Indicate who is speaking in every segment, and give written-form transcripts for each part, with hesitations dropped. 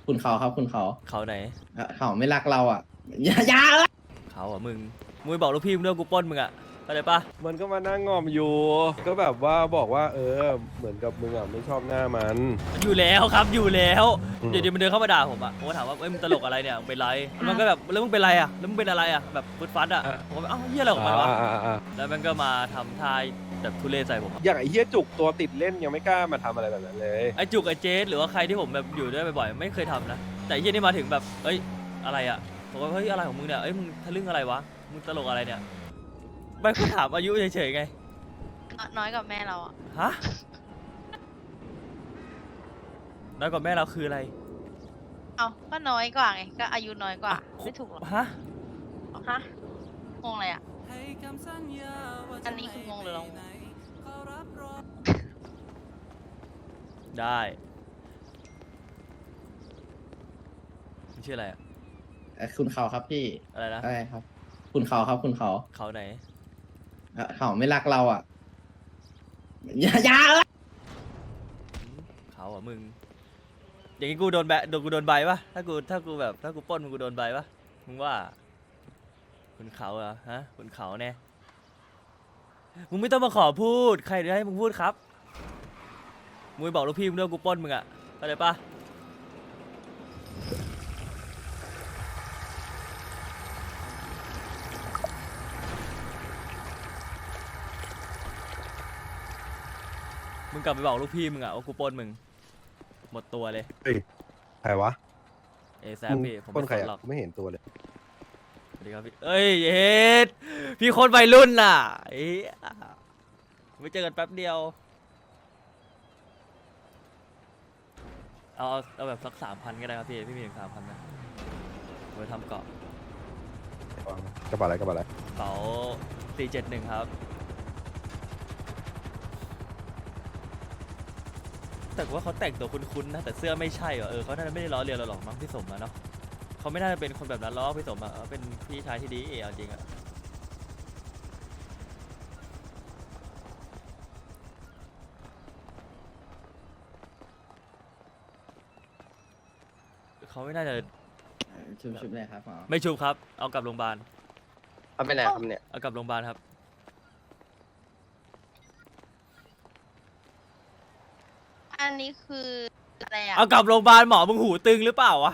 Speaker 1: คุณเขาครับคุณเขา
Speaker 2: เขาไหน
Speaker 1: เขาไม่รักเราอ่ะอย่าเอ้ย
Speaker 2: เขาอ่ะมึงบอกลูกพี่มึงด้วยกูปล้นมึงอ่ะเข้าใจปะ
Speaker 3: มันก็มานั่งงอมอยู่ ก็แบบว่าบอกว่า เหมือนกับมึงอ่ะไม่ชอบหน้ามัน
Speaker 2: อยู่แล้วครับอยู่แล้ว
Speaker 3: อืม
Speaker 2: เดี๋ยวมันเดินเข้ามาด่าผมอ่ะผมก็ถามว่าเอ้ยมึงตลกอะไรเนี่ยมึงเป็นไรมันก็แบบแล้วมึงเป็นไรอ่ะแล้วมึงเป็นอะไรอ่ะแบบฟึดฟัดอ่ะผมก็แบบเอ้าเฮียอะไรของมันวะแล้วมันก็มาทำท่าแบบทุเรศใส่ผมอะ
Speaker 3: อย่างไอ้เฮียจุกตัวติดเล่นยังไม่กล้ามาทำอะไรแบบนั้นเลย
Speaker 2: ไอจุกไอเจสหรือว่าใครที่ผมแบบอยู่ด้วยบ่อยๆไม่เคยทำนะแต่ไอ้เฮียนี่มาถึงแบบเอ้ยอะไรอ่ะผมว่าเฮ้ยอะไรของมึงเนี่ยเอ้ยมึงทะลึ่งอะไรวะมึงตลกอะไรเนี่ยไม่ก็ถามอายุเฉยๆไง
Speaker 4: น้อยกว่าแม่เราอ่ะ
Speaker 2: ฮะน้อยกว่าแม่เราคืออะไร
Speaker 4: เอาก็น้อยกว่าไง ก็อายุน้อยกว่า ไม่ถูกหรอก
Speaker 2: ฮะ
Speaker 4: ฮะงงอะไรอ่ะ อันนี้คืองงหรือเรางง
Speaker 2: ได้มึงชื่ออะไรอะ
Speaker 1: คุณเขาครับพี่
Speaker 2: อะไรนะ
Speaker 1: อะไรครับ คุณเขาครับคุณเขา
Speaker 2: เขาไหน
Speaker 1: เขาไม่รักเราอ่ะอย่าเอ้ย
Speaker 2: เขาอ่ะมึงอย่างงี้กูโดนกูโดนใบปะถ้ากูแบบถ้ากูปล้นมึงกูโดนใบปะมึงว่าคุณเขาเหรอฮะคุณเขาแน่มึงไม่ต้องมาขอพูดใครจะให้มึงพูดครับมึงไปบอกลูกพี่มึงด้วยกูปล้นมึงอะเข้าใจปะมึงกลับไปบอกลูกพี่มึงอะว่ากูปล้นมึงหมดตัวเลย
Speaker 3: ใครวะ
Speaker 2: เอแซมพี่ผม
Speaker 3: คน
Speaker 2: ไม่
Speaker 3: ใคร
Speaker 2: สน
Speaker 3: อ่ะ
Speaker 2: หรอก
Speaker 3: ไม่เห็นตัวเลย
Speaker 2: สวัสดีครับพี่เอ้ยเฮ็ดพี่คนวัยรุ่นน่ะเอ้ยไม่เจอกันแป๊บเดียวเอาแบบสัก3,000ก็ได้ครับพี่พี่มีถึง3,000ไหมไว้ทำเกาะ
Speaker 3: กระเป๋าอะไรกระเป๋าอะไร
Speaker 2: เป๋า471ครับแต่ว่าเขาแต่งตัวคุ้นๆนะแต่เสื้อไม่ใช่ว่ะเขาน่าจะไม่ได้ล้อเลียนเราหรอกมั้งพี่สมอะเนาะเขาไม่น่าจะเป็นคนแบบนั้นล้อกพี่สมอะเป็นพี่ชายที่ดีเอาจริงอะเขาไม่น่าจะ
Speaker 1: ชุบเลยครับหมอ
Speaker 2: ไม่ชุบครับ เอากลับโรงพยาบาล
Speaker 5: เอาไปไหนครับเนี่ย
Speaker 2: เอากลับโรงพยาบาลครับ
Speaker 4: อันนี้คืออะไรอ่ะ
Speaker 2: เอากลับโรงพยาบาลหมอมึงหูตึงหรือเปล่าวะ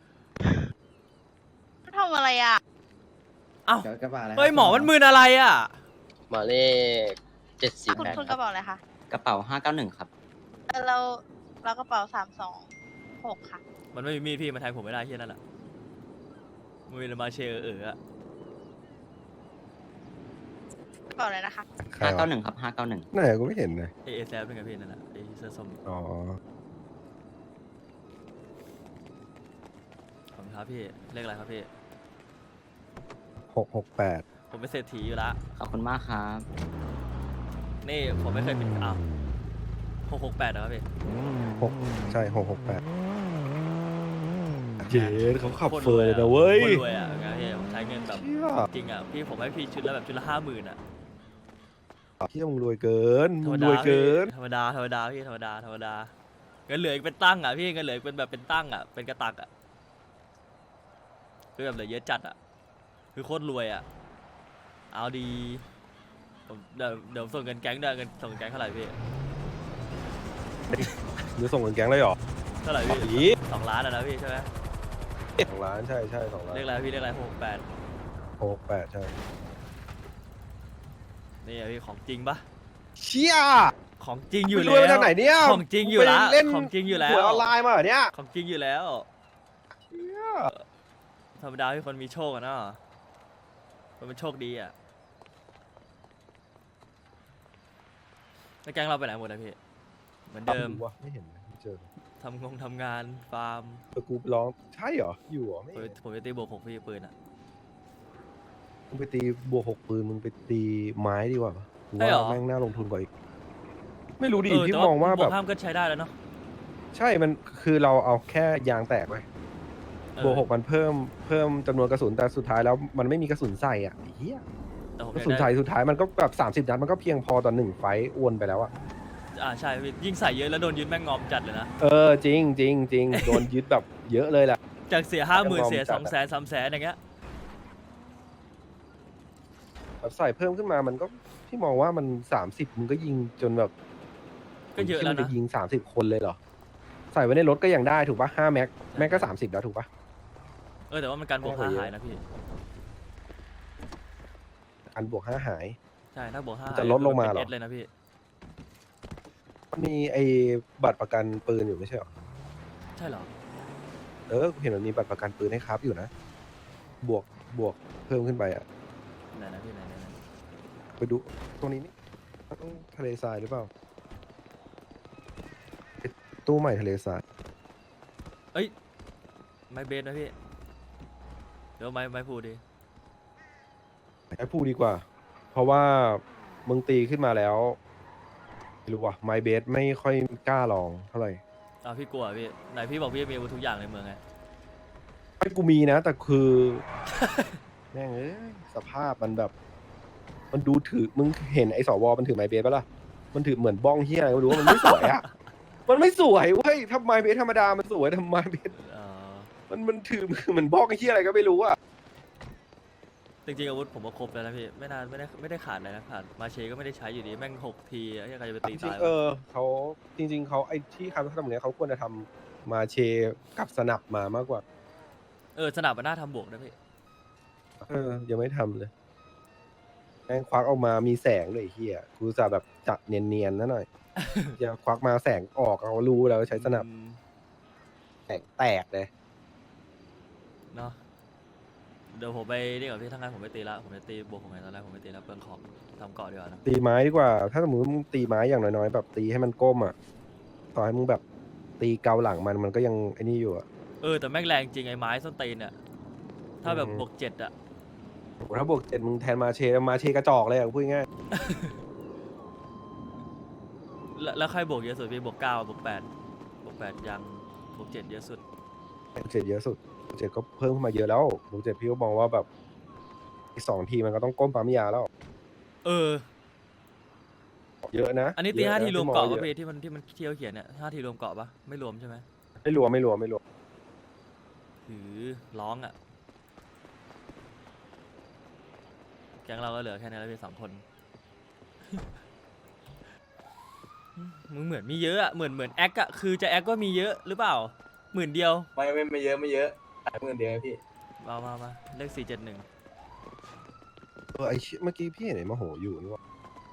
Speaker 4: ทำอะไรอ่ะ
Speaker 2: เอ้า
Speaker 1: กระบะอะไร
Speaker 2: เฮ้ยหมอมันมึนอะไรอ่ะ
Speaker 5: หมายเลข
Speaker 4: คุณ
Speaker 5: 748
Speaker 4: คุณ
Speaker 5: ค
Speaker 4: ก
Speaker 5: รั
Speaker 4: ระ
Speaker 5: บ
Speaker 4: เป๋าอะไรคะ
Speaker 5: กระเป๋า591ครับ
Speaker 4: เรากระเป๋า326ค่ะ
Speaker 2: มันไม่มีมีดพี่มันแทงผมไม่ได้ที่นั่นแหละมือมาเชออะ
Speaker 4: กระเป๋าอะไรนะคะ
Speaker 3: ใครวะ
Speaker 5: 591ครับ591
Speaker 3: ไหนกูไม่เห็นเลย
Speaker 2: เอแซฟเป็นไงพี่นั่นแหละไอเสื้อส้ม
Speaker 3: อ๋อ
Speaker 2: ขอบคุณครับพี่เลขอะไรครับพี่
Speaker 3: 668
Speaker 2: ผมเป็นเศรษฐีอยู่ละ
Speaker 5: ขอบคุณมากครับ
Speaker 2: นี่ผมไม่เคยเป็นอ้าว668นะครับพี่
Speaker 3: 6ใช่668เจ๊เขาขับ
Speaker 2: โคตร
Speaker 3: เฟอร์เลย
Speaker 2: ร
Speaker 3: นะ
Speaker 2: อะ
Speaker 3: เว้ย
Speaker 2: โคตรรวยอ่ะไงพี่ผมใช้เงินแบบ
Speaker 3: เชี่ย
Speaker 2: จริงอ่ะพี่ผมให้พี่ชุดละแบบชุดละ50,000อ่ะ
Speaker 3: เชี่ยมึงรวยเกิน
Speaker 2: ธร
Speaker 3: มึ
Speaker 2: รง ม
Speaker 3: ร
Speaker 2: ดา
Speaker 3: วยเกิน
Speaker 2: ธรรมดาพี่ธรรมดาเงินเหลืออีกเป็นตั้งอ่ะพี่เงินเหลืออีกเป็นแบบเป็นตั้งอ่ะเป็นกระตักอ่ะคือแบบเหลือเยอะจัดอ่ะคือโคตรรวยอ่ะเอาดีผมเดี๋ยวส่งเงินแก๊งด้วยเงินส่งเงินแก๊งเท่าไหร่พี่
Speaker 3: หรือส่งเงินแก๊งเลยเหรอ
Speaker 2: เท่าไหร่
Speaker 3: อี
Speaker 2: พี่2 ล้านอ่ะนะพี่ใช่ไหม
Speaker 3: 2 ล้านใช่ใช่2 ล้าน
Speaker 2: เรียกอะไรพี่เรียกอะไร68
Speaker 3: 668ใช่
Speaker 2: นี่อะพี่ของจริงปะ
Speaker 3: เชี่ย
Speaker 2: ของจริงอยู่
Speaker 3: มึงร
Speaker 2: แล้ว
Speaker 3: วยมาจากไหนเนี่ย
Speaker 2: ของจริงอยู่แล้ว
Speaker 3: ไปเล่น
Speaker 2: ของจริงอยู่แล้
Speaker 3: ห
Speaker 2: ว
Speaker 3: วยออนไลน์มาเหรอเนี่ย
Speaker 2: ของจริงอยู่แล้ว
Speaker 3: เชี่ย
Speaker 2: ธรรมดาที่คนมีโชคอะเนาะคนเป็นโชคดีอะแล้วแก๊งเราไปไหนหมดนะพี่เหมือนเดิม
Speaker 3: วะไม่เห็นเลยไม่เจอ
Speaker 2: ทำงานฟาร์ม
Speaker 3: กูร้องใช่เหรออยู่เหรอไม่เห็น
Speaker 2: ผมจะตีบวก6พี่ปืนอะ
Speaker 3: มึงไปตีบวก6ปืนมึงไปตีไม้ดีกว่ากู
Speaker 2: ใช่เหรอ
Speaker 3: ว่าแม่งน่าลงทุนกว่าอีกไม่รู้ดิ
Speaker 2: แต่
Speaker 3: พี่มองว่าแบบ
Speaker 2: วกห้ามก็ใช้ได้แล้วเนาะ
Speaker 3: ใช่มันคือเราเอาแค่ยางแตกไป
Speaker 2: เออบ
Speaker 3: วก6มันเพิ่มจำนวนกระสุนแต่สุดท้ายแล้วมันไม่มีกระสุนใส่อ่ะไอ้เหี้ย
Speaker 2: แต่ผม
Speaker 3: กระ
Speaker 2: อยาก
Speaker 3: สุน
Speaker 2: ได้
Speaker 3: ใส่สุดท้ายมันก็แบบ30 นัดมันก็เพียงพอต่อ1 ไฟต์อ้วนไปแล้วอ่ะ
Speaker 2: ใช่พี่ยิ่งใส่เยอะแล้วโดนยึดแม่งงอมจัดเลยนะ
Speaker 3: จริงโดนยึดแบบเยอะเลยแหละ
Speaker 2: จากเสีย 50,000เสีย200,000 300,000อย่างเงี้ย
Speaker 3: แบบใส่เพิ่มขึ้นมามันก็พี่มองว่ามัน30มึงก็ยิงจนแบบ
Speaker 2: ก็เยอะแล้ว
Speaker 3: มึงคิด
Speaker 2: นะ
Speaker 3: ว่าจยิง30คนเลยเหรอใส่ไว้ในรถก็ยังได้ถูกปะ5 แม็กแม็กก็30แล้วถูกปะ
Speaker 2: แต่ว่ามันการบวก
Speaker 3: ไม่ค่อย
Speaker 2: 5
Speaker 3: เยอะ
Speaker 2: หายนะพี่
Speaker 3: อันบวก5หาย
Speaker 2: ใช่ถ้าบวก5
Speaker 3: จะลดลงมาเหรอ
Speaker 2: เป็น S เลยนะพี่
Speaker 3: มันมีไอ้บัตรประกันปืนอยู่ไม่ใช่เหรอ
Speaker 2: ใช่เหรอ
Speaker 3: กูเห็นมันมีบัตรประกันปืนให้ครับอยู่นะบวกเพิ่มขึ้นไปอ่ะ
Speaker 2: ไหนนะพี่ไหน
Speaker 3: ไปดูตรงนี้นี่ต้องทะเลทรายหรือเปล่าไอ้ตู้ใหม่ทะเลทราย
Speaker 2: เอ้ยไม้เบสนะพี่เดี๋ยวไม้พูดี
Speaker 3: ให้พูดดีกว่า เพราะว่ามึงตีขึ้นมาแล้วไม่รู้ว่ะไมเบสไม่ค่อยกล้าลองเท่าไหร่
Speaker 2: พี่กลัวพี่ไหนพี่บอกพี่มีอาวุธทุกอย่างในเมืองไง
Speaker 3: ไอ้กูมีนะ แต่คือ แม่งสภาพมันแบบ มันดูถือมึงเห็นไอ้สวมันถือไมเบสปะล่ะมันถือเหมือนบ้องเฮียอะไรก็ไม่รู้ว่ามันไม่สวยอ่ะ มันไม่สวยเว้ยทำไมเบสธรรมดามันสวยทำไมเบส มันถือเหมือนบ้องเฮียอะไรก็ไม่รู้อ่ะ
Speaker 2: จริงๆอาวุธผมก็ครบแล้วนะพี่ไม่ได้ขาดอะไรนะขาดมาเชก็ไม่ได้ใช้อยู่ดีแม่ง6 ทีไอ้ใครจะไปตีตายวะ
Speaker 3: เขาจริง ๆเขาไอ้ที่คำทำเนี้ยเขาควรจะทำมาเชกับสนับมามากกว่า
Speaker 2: สนับมันน่าทำบวกนะพี่
Speaker 3: ยังไม่ทำเลยแม่งควักออกมามีแสงเลยไอ้เฮียกูจะแบบจัดเนียนๆนะหน่อย จะควักมาแสงออกเขารู้แล้วใช้สนับ แสงแตกเลย
Speaker 2: เนาะเดี๋ยวผมไปนี่ก่อนพี่ทั้างนั้นผมไปตีละผมจะตีบวกของไงตอนแรกผมไปตีละเปลืองของทำเกาะดีกว่านะ
Speaker 3: ตีไม้ดีกว่า ถ้าสมมติมึงตีไม้อย่างน้อยๆแบบตีให้มันก้มอ่ะต่อให้มึงแบบตีเกาหลังมันก็ยังไอ้นี่อยู่อ่ะ
Speaker 2: แต่แม่งแรงจริงไอ้ไม้ส้นตีนเนี่ยถ้าแบบ
Speaker 3: อืม
Speaker 2: บวก7อะ
Speaker 3: โหถ้าบวก7มึงแทนมาเชกระจอกเลยอ่ะพูดง่าย
Speaker 2: แล้วใครบวกเยอะสุดพี่บวก9บวก8บวก8ยังบวก7เยอะสุด
Speaker 3: เจ็ดเยอะสุดเจ็ดก็เพิ่มขึ้นมาเยอะแล้วบวก7พี่ก็มองว่าแบบอีก2 ทีมันก็ต้องก้มปั๊มยาแล้ว เยอะนะ
Speaker 2: อันนี้ตี
Speaker 3: ยะะ
Speaker 2: 5 ทีรวม
Speaker 3: พี่
Speaker 2: เกาะ
Speaker 3: อง
Speaker 2: ป่ะ
Speaker 3: ยอ
Speaker 2: พี่ที่มันเที่ยวเขียนเนี่ย5 ทีรวมเกาะปะไม่รวมใช่ไหม
Speaker 3: ไม่รวม
Speaker 2: ถือร้องอะแก๊งเราก็เหลือแค่นี้แล้วพี่2 คน มึงเหมือนมีเยอะอะเหมือนแอคอะคือจะแอคว่ามีเยอะหรือเปล่า10,000 เดียว
Speaker 5: ไม่เยอะขายเงินเดียวพี่
Speaker 2: มาเลข471
Speaker 3: ไอ้เชี่ยเมื่อกี้พี่เห็นไอ้มโหอยู่นี่ว่า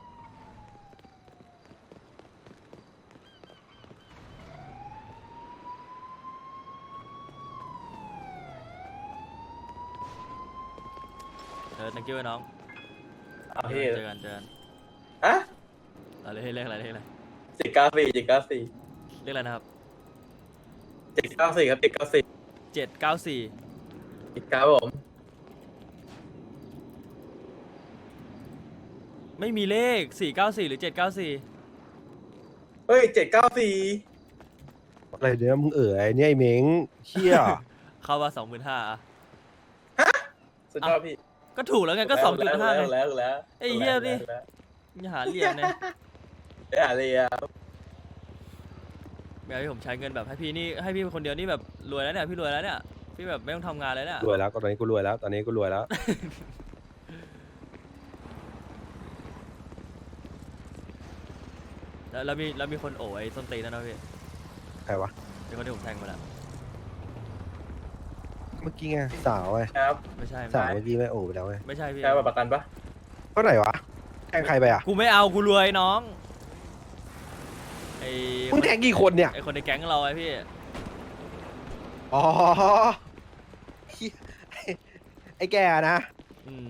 Speaker 2: thank you ไอ้น้อง
Speaker 5: พี่
Speaker 2: เจอกัน
Speaker 5: ฮะ
Speaker 2: เลขอะไรเลขอะไร
Speaker 5: 794
Speaker 2: เลขอะไรนะครับ
Speaker 5: 794ครับ794
Speaker 2: 794
Speaker 5: ครับผม
Speaker 2: ไม่มีเลข494หรือ794
Speaker 5: เฮ้ย794
Speaker 3: อะไรเนี่ยมึงไอ้เนี่ยไอ้เม้งเชี่ย
Speaker 2: เข้าว่า25,000อะ
Speaker 5: สุดยอดพี่
Speaker 2: ก็ถูกแล้วไงก็ 2.5ไง
Speaker 5: แล้ว
Speaker 2: ไอ้เหี้ยนี่ อย่าหาเหลี่ยมเนี่ย
Speaker 5: ไม่หาเลยอ่ะ
Speaker 2: ไม่เอาให้ผมใช้เงินแบบให้พี่นี่ให้พี่คนเดียวนี่แบบรวยแล้วเนี่ยพี่รวยแล้วเนี่ยพี่แบบไม่ต้องทำงานเลยเนี่ย
Speaker 3: รวยแล้วก็ตอนนี้กูรวยแล้ว ตอนนี้กูรวยแล้ว
Speaker 2: แล้วมีคนโอ้ไอ้ส้นตีนนั่นนะพี่
Speaker 3: ใครวะ
Speaker 2: ไอ้คนที่ผมแทงมาแล้ว
Speaker 3: เมื่อกี้ไงสาวไง
Speaker 5: ครับ
Speaker 2: ไม่ใช่
Speaker 3: สาวเมื่อกี้ไม่โอ้ไปแล้วไง
Speaker 2: ไม่ใช่พี่
Speaker 5: ใช้บัตรประกันปะ
Speaker 3: ก็ไหนวะแทงใครไปอ่ะ
Speaker 2: กูไม่เอากูรวยน้องไอ้
Speaker 3: มึงแทงกี่คนเนี่ย
Speaker 2: ไอ้คนในแก๊งเราไอ้พี่
Speaker 3: อ๋อเหี้ยไอ้แกนะ
Speaker 2: อืม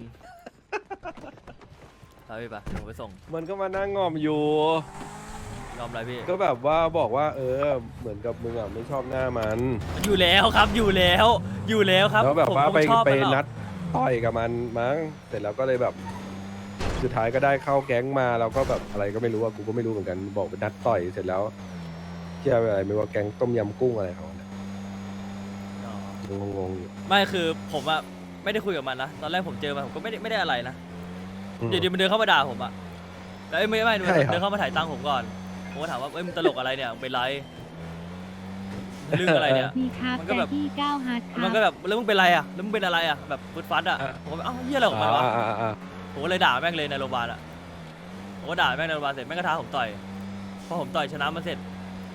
Speaker 2: พาพี่ปะเดี๋ยวผมไปส่ง
Speaker 3: มันก็มานั่งงอมอยู่
Speaker 2: ยอมอะไรพี่
Speaker 3: ก็แบบว่าบอกว่า เหมือนกับมึงอ่ะไม่ชอบหน้ามัน
Speaker 2: อยู่แล้วครับอยู่แล้วครับ
Speaker 3: แล้วแบบ
Speaker 2: ผม
Speaker 3: ว่า
Speaker 2: คง
Speaker 3: ไป
Speaker 2: ชอบ
Speaker 3: ไป
Speaker 2: มันหรอก
Speaker 3: นัดต่อยกับมันมั้งเสร็จแล้วก็เลยแบบ สุดท้ายก็ได้เข้าแก๊งมาแล้วก็แบบอะไรก็ไม่รู้อ่ะกูก็ไม่รู้เหมือนกันบอกไปนัดต่อยเสร็จแล้วเชื่ออะไรไม่ว่าแก๊งต้มยำกุ้งอะไรเขาเนี่ย
Speaker 2: อ๋อ
Speaker 3: งงๆอยู่
Speaker 2: ไม่คือผมอะไม่ได้คุยกับมันนะตอนแรกผมเจอมันผมก็ไม่ได้อะไรนะ
Speaker 3: อืม
Speaker 2: อยู่ดีมันเดินเข้ามาด่าผมอะแล้วไม่
Speaker 3: ใช่เหรอ
Speaker 2: เดินเข้ามาถ่ายตังค์ผมก่อนผมก็ถามว่าเอ้ยมึงตลกอะไรเนี่ยมึงเป็นไรเรื่องอะไรเนี่ย
Speaker 6: มีครับ
Speaker 2: มันก็แบบ
Speaker 6: แต่ที่9ฮาร์ดค
Speaker 2: มั
Speaker 6: รั
Speaker 2: น
Speaker 6: บ
Speaker 2: ก็แบบแล้วมึงเป็นไรอ่ะแล้วมึงเป็นอะไรอ่ะแบบฟึดฟัดอ่ะผมก็เอ้าเฮียอะไรของมันวะ ผมก็เลยด่าแม่งเลยในโรงพยาบาลอ่ะผมก็ด่าแม่งในโรงพยาบาลเสร็จแม่งก็ท้าผมต่อยพอผมต่อยชนะมันเสร็จ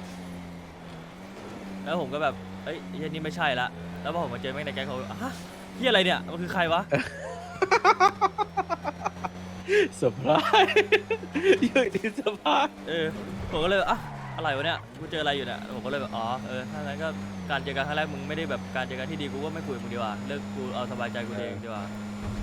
Speaker 2: แล้วผมก็แบบเอ้ยเฮียนี่ไม่ใช่ละแล้วพอผมมาเจอแม่งในแก๊งเขาฮะเฮียอะไรเนี่ยมันคือใครวะ
Speaker 3: เซอร์ไพรส์อยู่ที่เซอร์ไพรส์
Speaker 2: ผมก็เลยอ่ะอะไรวะเนี่ยกูเจออะไรอยู่เนี่ยผมก็เลยแบบอ๋อถ้างั้นก็การเจอกันครั้งแรกมึงไม่ได้แบบการเจอกันที่ดีกูก็ไม่คุยกับมึงดีกว่าเลิกกูเอาสบายใจกูเองดีกว่า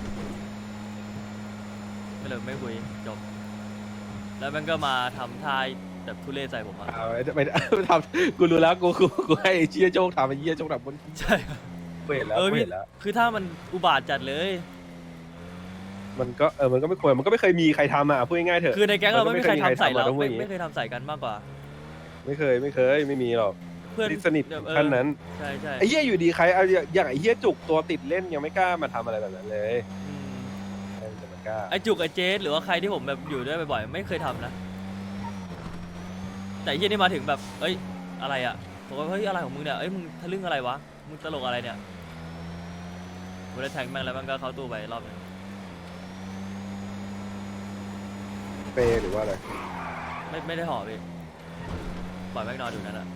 Speaker 2: ก็เลยไม่คุยจบแล้วมันก็มาทำท่าแบบทุเรศใส่ผมอะ
Speaker 3: ไม่ทำกูรู้แล้วกูให้ไอ้เชี่ยโจ๊กทำไอ้เชี่ยโจ๊กทำบน
Speaker 2: ใช่
Speaker 3: กูเห็นแล้ว
Speaker 2: พี่
Speaker 3: กูเห็นแล้ว
Speaker 2: คือถ้ามันอุบาทจัดเลย
Speaker 3: มันก็มันก็ไม่ควรมันก็ไม่เคยมีใครทำอ่ะพูดง่ายๆเถอะ
Speaker 2: คือในแก๊งเราไม่มีใครทำใส่เรา
Speaker 3: มันก็ไม่เคยมีใครทำอะต้องพูดอย่างงี้
Speaker 2: ไม่เคยทำใส่กันมากกว่า
Speaker 3: ไม่เคยไม่มีหรอก
Speaker 2: เพื่อน
Speaker 3: สนิทถึงขั้นนั้น
Speaker 2: ใช่ใช่
Speaker 3: ไอ้เหี้ยอยู่ดีใครเอาอย่างไอ้เหี้ยจุกตัวติดเล่นยังไม่กล้ามาทำอะไรแบบนั้นเลย
Speaker 2: อืม
Speaker 3: ใครจะมากล้า
Speaker 2: ไอจุกไอเจสหรือว่าใครที่ผมแบบอยู่ด้วยบ่อยๆไม่เคยทำนะแต่ไอ้เฮียนี่มาถึงแบบเอ้ยอะไรอ่ะผมว่าเฮ้ยอะไรของมึงเนี่ยเอ้ยมึงทะลึ่งอะไรวะมึงตลกอะไรเนี่ยกูได้แทงแม่งแล้วมันก็เข้าตู้ไปรอบนึง
Speaker 3: เปย์หรือว่าอะไร
Speaker 2: ไม่ได้ห่อพี่ปล่อยแม่งนอนอยู่นั่นอะ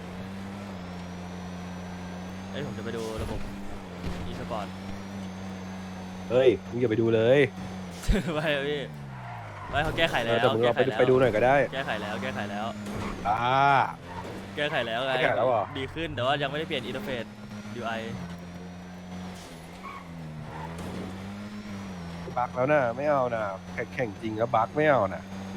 Speaker 2: เอ้ยผมจะไปดูระบบ อีสปอร์ต
Speaker 3: เฮ้ยมึงอย่าไปดูเลย
Speaker 2: ไม่อะพี่ไม่เขาแก้ไขแล้ว
Speaker 3: แต่มึงเรา
Speaker 2: แก้ไขแล้ว
Speaker 3: ไปดูหน่อยก็ได้
Speaker 2: แก้ไขแล้วแก้ไขแล้ว
Speaker 3: อ่า
Speaker 2: แก้ไขแล้วไง
Speaker 3: แก้ไขแล้วเหรอ
Speaker 2: ดีขึ้นแต่ว่ายังไม่ได้เปลี่ยนอินเทอร์เฟซ UI
Speaker 3: บักแล้วนะไม่เอานะแข่งจริงแล้วบักไม่เอานะ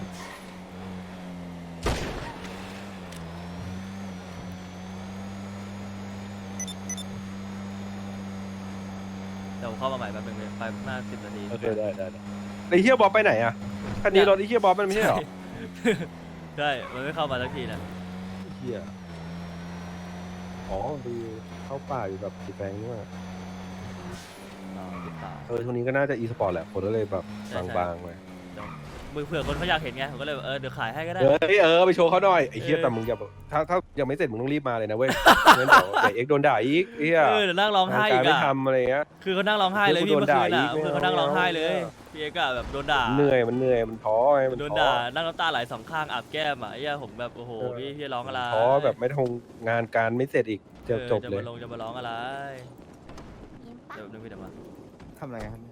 Speaker 2: แต่ผมเข้ามาใหม่แป๊บนึงเลยไปหน้า10 นาที
Speaker 3: โอเคได้ไอ้เฮียบอสไปไหนอ่ะคันนี้รถไอ้เฮียบอสมันไม่ใช่เหรอ
Speaker 2: ใช่มันไม่เข้ามาสักทีนะ
Speaker 3: เฮียอ๋อดูเข้าป่าอยู่แบบสีแดงนี่ว่า
Speaker 2: ติดตาม
Speaker 3: ช่วงนี้ก็น่าจะอีสปอร์ตแหละคนก็เลยแบบ
Speaker 2: ใช่
Speaker 3: บางๆไป
Speaker 2: มือเผื่อคนเขาอยากเห็นไงผมก็เลยแบบเดี๋ยวขายให้ก็ได้
Speaker 3: เฮ้ยไปโชว์เขาหน่อยไอ้เฮีย
Speaker 2: เออ
Speaker 3: แต่มึงอย่าถ้ายังไม่เสร็จมึงต้องรีบมาเลยนะเว้ยงั้นเดี๋ยวเอ็กซ์โดนด่าอีกเฮีย
Speaker 2: เดี๋ยวนั่งร้องไห้
Speaker 3: งาน
Speaker 2: อี
Speaker 3: การ
Speaker 2: ก
Speaker 3: ไม่
Speaker 2: อะ
Speaker 3: ทำอะไรเงี้ย
Speaker 2: คือเขานั่งร้องไห้เลย
Speaker 3: เดี๋
Speaker 2: พี่
Speaker 3: ยวกู
Speaker 2: เมื่อคืน
Speaker 3: โดนด่า
Speaker 2: อ่ะ
Speaker 3: อีก
Speaker 2: เพื่อนเขานั่งร้องไห้เลยพี่เอกอะแบบโดนด่า
Speaker 3: มันเหนื่อยมันท้อไงมัน
Speaker 2: โดน
Speaker 3: ท้อ
Speaker 2: ด่านั่งน้ำตาไหลสองข้างอาบแก้มอ่ะไอ้เหี้ยผมแบบโอ้โหพี่ร้องอะไร
Speaker 3: ท้อแบบไม่ทงงานการไม่เสร็จอีกจะจบเลย
Speaker 2: จะมาร้องอะไรเดี๋ยวนึกพี่เดี๋ยวมา
Speaker 1: ทำอะไรครับ